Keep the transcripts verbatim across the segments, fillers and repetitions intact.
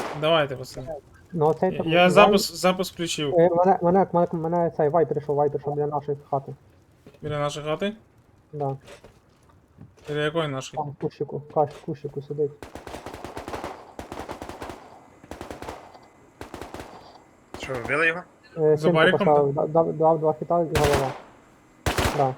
Давайте, пацани. Ну, цей там. Я Вай- запис, запис включив. Е, Мене, мене, мене, мене цей вай прийшов, вай прийшов біля нашої хати. Біля нашої хати? Да. Біля якої нашої? Там в кущику, каш, в кущику сидить. Що, вбили його? Е, За Синку бариком, поставив, дав, дав, дав два хіта і голова. Да.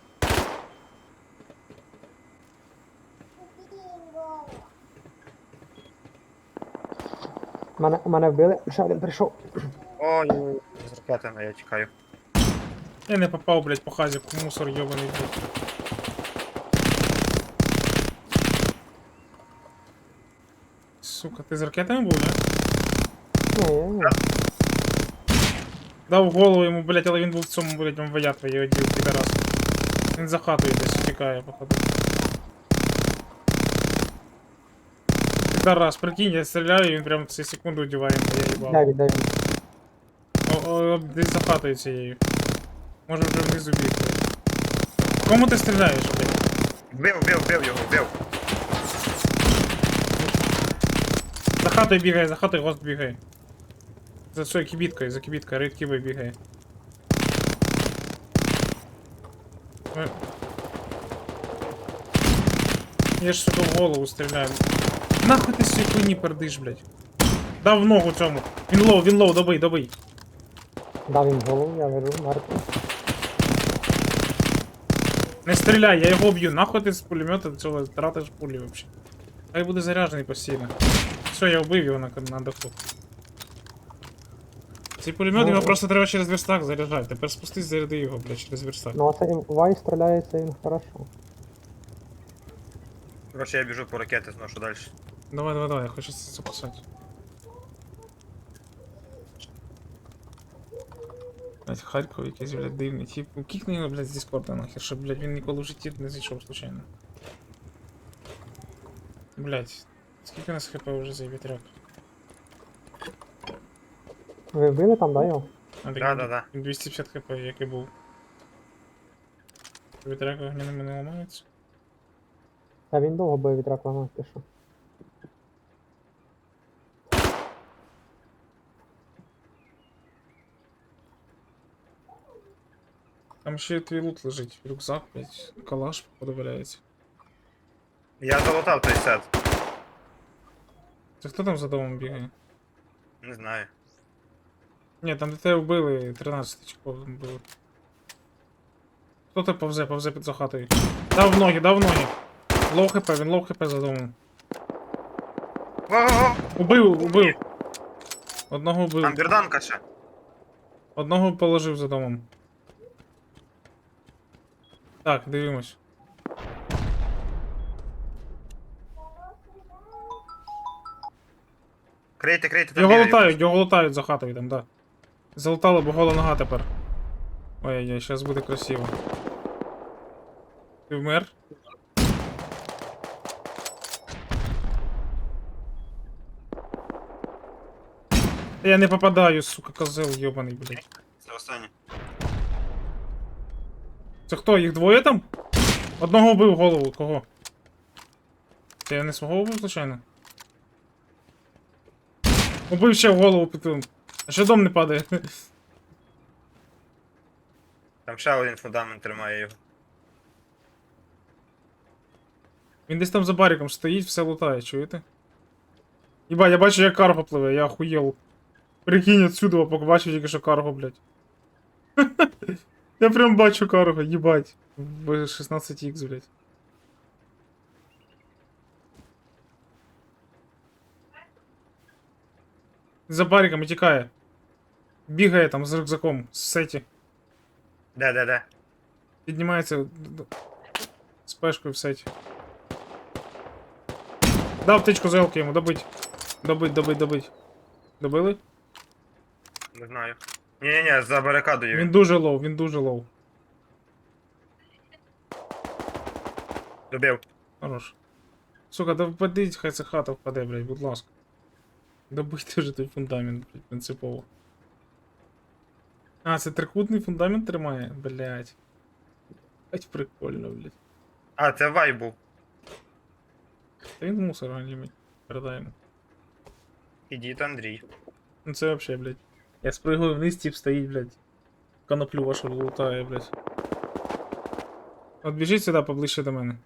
Мене, мене вбили, ще один прийшов. Ой, з ракетами я тікаю. Я не попав, блядь, по хазіку, мусор йобаний, блядь. Сука, ти з ракетами був, не? Ні, ні, ні. Дав голову йому, блядь, але він був в цьому, блядь, мвоя твоє одів, підарас. Він за хатою десь втікає, походу. Підарас, прикинь, я стріляю, і він прям в цю секунду одіває, бо я їбав. Де він, де він? О, о, десь за хатою цією. Може вже внизу бігти. Кому ти стріляєш, блядь? Вбив, вбив, вбив його, вбив. За хатою бігає, за хатою гост бігає. За цією кібіткою, за кібіткою, рейд кібою бігає. Е. Я ж, сука, в голову стріляю. Нахуй ти з цієї хуйні пердиш, блядь. Дав в ногу цьому. Він лоу, він лоу, добий, добий. Дав їм голову, я лежу, мертвий. Не стріляй, я його б'ю. Нахуй ти з пулемета цього тратиш пулі вообще. Хай буде заряджений постійно. Все, я вбив його на, на даху. Цей пулемет, Ну, його просто треба через верстак заряджати. Тепер спустись, заряди його, блядь, через верстак. Ну, а цей вай стріляється він хорошо. Короче, я біжу по ракети, зношу далі. Давай, давай, давай, я хочу це записати. Блять, Харков якийсь, блядь, дивний тип. Ну, кікни його, блядь, з Діскорда нахер, щоб, блядь, він ніколи в житті не зайшов случайно. Блять, скільки у нас хп вже за вітряк? Ви вбили там, да, його? А, так, Да, да, да. він двісті п'ятдесят хп, як і був. Вітряк огняними не ламається. Та він довго бив вітрак ламав, ти що? Там ще твій лут лежить, рюкзак, блять, калаш подобається. Я залутав той сет. Це хто там за домом бігає? Не знаю. Ні, там де тебе вбили, тринадцять чеков було. Хто ти повзе, повзе під за хатою? Дав в ноги, дав в ноги. Лоу хп, він лоу хп за домом. Ого! Убив, убив. Одного Там убив. бірданка ще. Одного положив за домом. Так, дивимось. Крийте, крийте, там Його бігають. лутають, його лутають за хатою там, да. Залутали, бо гола нога тепер. Ой-ой-ой, зараз буде красиво. Ти вмер? Я не попадаю, сука, козел йобаний, блядь. Це останнє. Це хто, їх двоє там? Одного вбив голову, кого? Це я не свого вбив, звичайно? Убив ще в голову пітун. А ще дом не падає. Там ще один фундамент тримає його. Він десь там за бариком стоїть, все лутає, чуєте? Єба, я бачу, як карго пливе, я охуєл. Прикинь отсюда, побачив тільки що карго, блядь. Я прям бачу карго, їбать. В шістнадцять ікс, блядь. За бариком тікає. Бігає там з рюкзаком, в сеті. Де, де, де? Піднімається д- д- з пешкою в сеті. Дав птичку за елки йому, добить. Добить, добить, добить. Добили? Не знаю. Ні-ні-ні, за барикадою Він він. дуже лоу, він дуже лоу. Добив. Хорош. Сука, да впадіть, хай ця хата впаде, блядь, будь ласка. Добийте вже той фундамент, блядь, принципово. А, це трикутний фундамент тримає? Блядь. Блядь, прикольно, блядь. А, це вай був. Та він мусор галімий. Передаємо. Ідіть, Андрій. Ну це вообще, блядь. Я спригую вниз, тип стоїть, блядь. Коноплю вашу лутає, блядь. От біжіть сюди поближче до мене.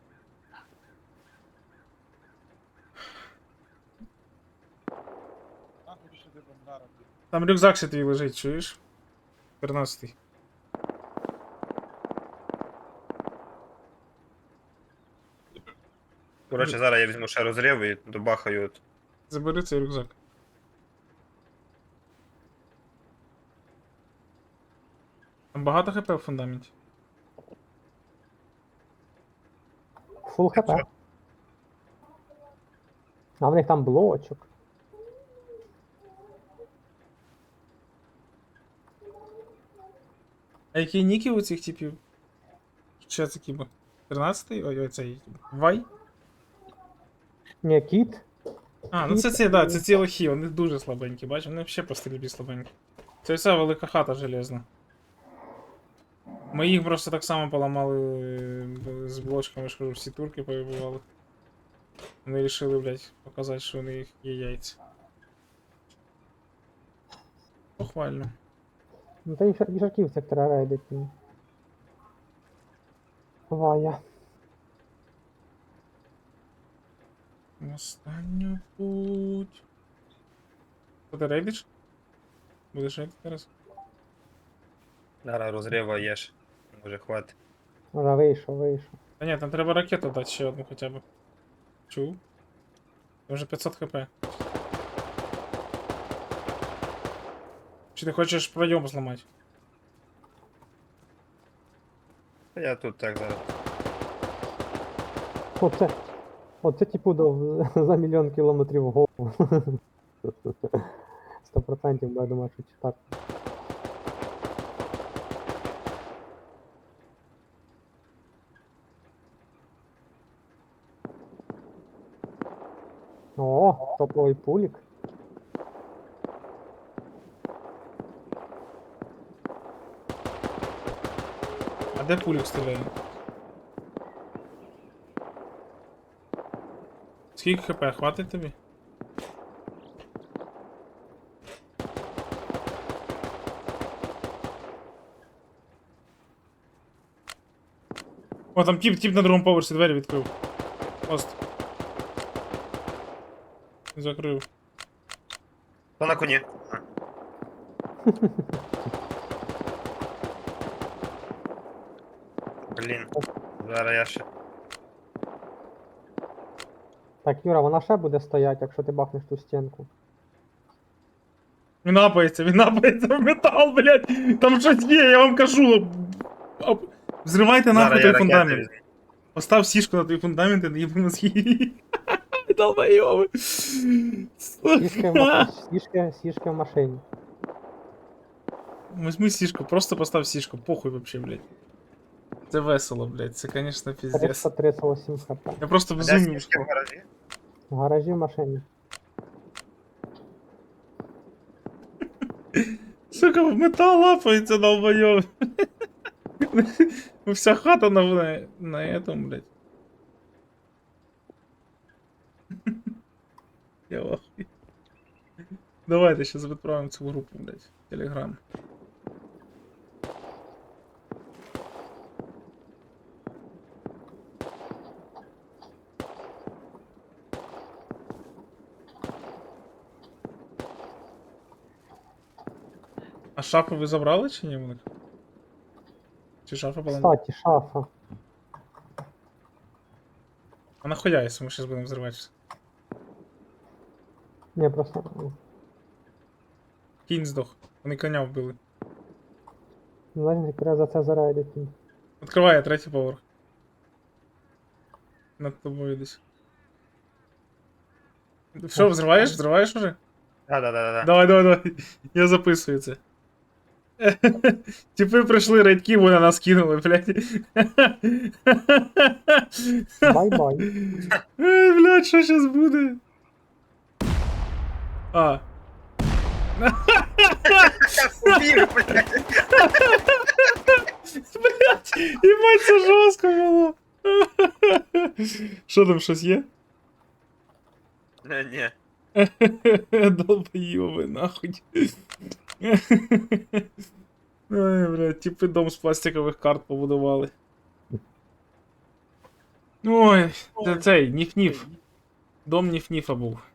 Там рюкзак ще твій лежить, чуєш? тринадцятий. Коротше, зараз я візьму ще розрив і добахаю от. Забери цей рюкзак. Там багато хп в фундаменті. Фул хп. А в них там блочок. А які ніки у цих типів? Що це кіба? тринадцятий? Ой, ой, цей. Вай? Ні, кіт. А, ну це ці, да, це ці лохи, вони дуже слабенькі, бачиш, вони взагалі по стрільбі слабенькі. Це вся велика хата железна. Ми їх просто так само поламали е, з блочками, що всі турки повибивали. Вони вирішили, блядь, показати, що у них є яйця. Похвально. Ну та їжа- їжаків це треба рейдити. Вая. Останню путь. Що ти рейдиш? Будеш рейдити зараз? Зараз розрива є ж. Може хватить. Вже вийшов, вийшов. Та ні, там треба ракету дати ще одну хоча б. Чув? Це вже п'ятсот хп. Чи ти хочеш пройом зламати? Та я тут так зараз. Оце. Оце типу до, за мільйон кілометрів в голову. Сто процентів, бо я думаю, що так. О, топовий пулік. А де пулік стріляє? Скільки хп? Хватить тобі? О, там тип, тип на другому поверсі двері відкрив. Пост. Закрив. То на коні. А. Блін. Зараз я ще. Так, Юра, вона ще буде стояти, якщо ти бахнеш ту стінку. Він напається, він напається в метал, блядь! Там щось є, я вам кажу! Оп. Взривайте нахуй Зараз той я ракети фундамент. візьму. Постав сішку на той фундамент і наїбу мозги. Долбойови. Сішки в, ма- сішки, сішки в машині. Возьми сішку, просто постав сішку, похуй вообще, блядь. Це весело, блядь, це, конечно, пиздец. триста тридцять вісім хп. Я просто А де безумію. сішки в гаражі? В гаражі в машині. Сука, в метал лапається, долбойов. Вся хата на, на, на этом, блядь. Я в ахуї. Давайте сейчас відправимо цю групу, блядь, в Телеграм. А шафу ви забрали чи ні в них? Чи шафа була? Кстати, шафа. А нахуя, якщо ми зараз будемо взриватися? Не, просто. ну, Кінь здох. Вони коня вбили. Значить, треба за це зарейдити. Відкриває третій поверх. Над тобою десь. Що, взриваєш? Взриваєш уже? Да, да, да, да. Давай, давай, давай. Я записую це. Типи прийшли рейдки, вони на нас кинули, блядь. Бай-бай. Ей, блядь, що зараз буде? А. Убіг, блядь. Блядь, їбать, це жорстко було. Що там, щось є? Не, ні. Долбоёбы, нахуй. Ой, блядь, типи дом з пластикових карт побудували. Ой, це цей, Ніф-Ніф. Дом Ніф-Ніфа був.